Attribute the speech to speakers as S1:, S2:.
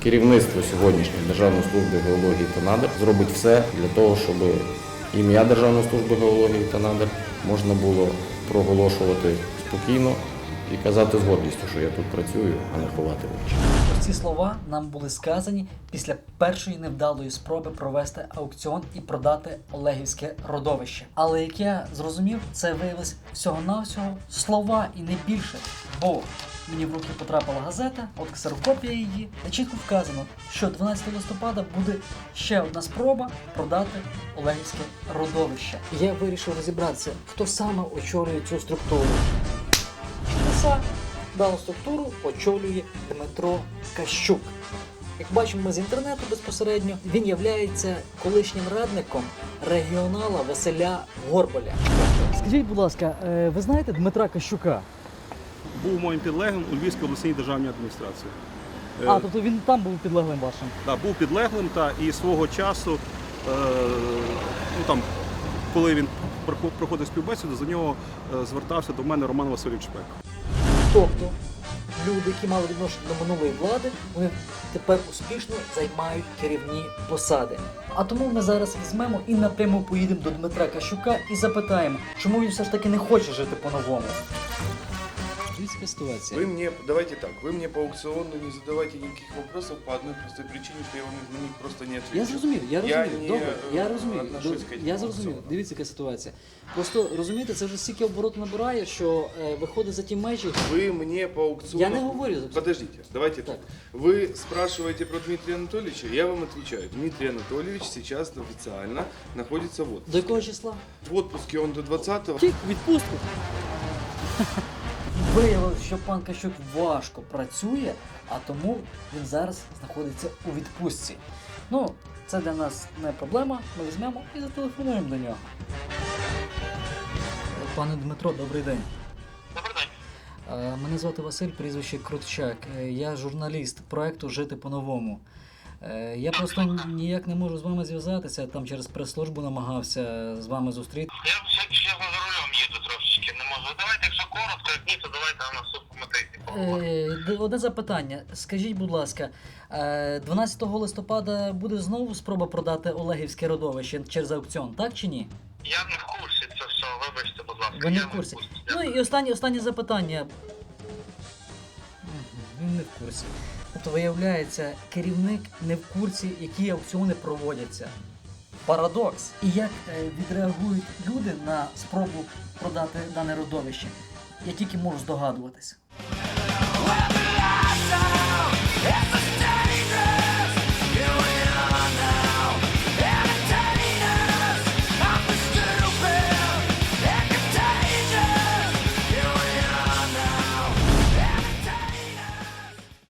S1: Керівництво сьогоднішньої Державної служби геології та надр зробить все для того, щоб ім'я Державної служби геології та надр можна було проголошувати спокійно і казати з гордістю, що я тут працюю, а не ховати очі.
S2: Ці слова нам були сказані після першої невдалої спроби провести аукціон і продати Олегівське родовище. Але як я зрозумів, це виявилось всього-навсього слова і не більше. Бо мені в руки потрапила газета, от ксерокопія її, де чітко вказано, що 12 листопада буде ще одна спроба продати Олегівське родовище. Я вирішив розібратися, хто саме очолює цю структуру. Дану структуру очолює Дмитро Кащук. Як бачимо ми з інтернету безпосередньо, він являється колишнім радником регіонала Василя Горбаля. Скажіть, будь ласка, ви знаєте Дмитра Кащука?
S3: Був моїм підлеглим у Львівській обласній державній адміністрації.
S2: Тобто він там був підлеглим вашим?
S3: Так, був підлеглим, і свого часу, коли він проходив співбесіду, за нього звертався до мене Роман Васильович Шпек.
S2: Тобто люди, які мали відношення до минулої влади, вони тепер успішно займають керівні посади. А тому ми зараз візьмемо і напряму поїдемо до Дмитра Кащука і запитаємо, чому він все ж таки не хоче жити по-новому. Дивіться ситуація.
S4: Давайте так, вы мне по аукциону не задавайте никаких вопросов по одной простой причине, что я вам на них просто не отвечу.
S2: Я зрозумів, добре, я зрозумів.
S4: аукціону.
S2: Дивіться, яка ситуація. Просто, розумієте, це вже стільки обороту набирає, що виходить за ті межі.
S4: Вы мне по аукциону...
S2: Я не говорю.
S4: Подождите, давайте так. Вы спрашиваете про Дмитрия Анатольевича, я вам отвечаю. Дмитрий Анатольевич сейчас официально находится в отпуске.
S2: До якого числа?
S4: В отпуске он до 20-го.
S2: Втік у відпустку. Виявилось, що пан Кащук важко працює, а тому він зараз знаходиться у відпустці. Ну, це для нас не проблема, ми візьмемо і зателефонуємо до нього. Пане Дмитро, добрий день.
S5: Добрий день.
S2: Мене звати Василь, прізвище Крутчак. Я журналіст проекту «Жити по-новому». Я просто ніяк не можу з вами зв'язатися, там через прес-службу намагався з вами зустріти.
S5: Я чесно за рулем їду трошечки, не можу. Давайте, якщо коротко, як ні, то давайте на наступному тижні поговоримо.
S2: Одне запитання. Скажіть, будь ласка, 12 листопада буде знову спроба продати Олегівське родовище через аукціон, так чи ні?
S5: Я не в курсі, це все, вибачте, будь ласка.
S2: Ви не
S5: я
S2: в курсі. Ну
S5: Дякую.
S2: і останнє запитання. Він не в курсі. Тобто, виявляється, керівник не в курсі, які аукціони проводяться. Парадокс. І як відреагують люди на спробу продати дане родовище, я тільки можу здогадуватись.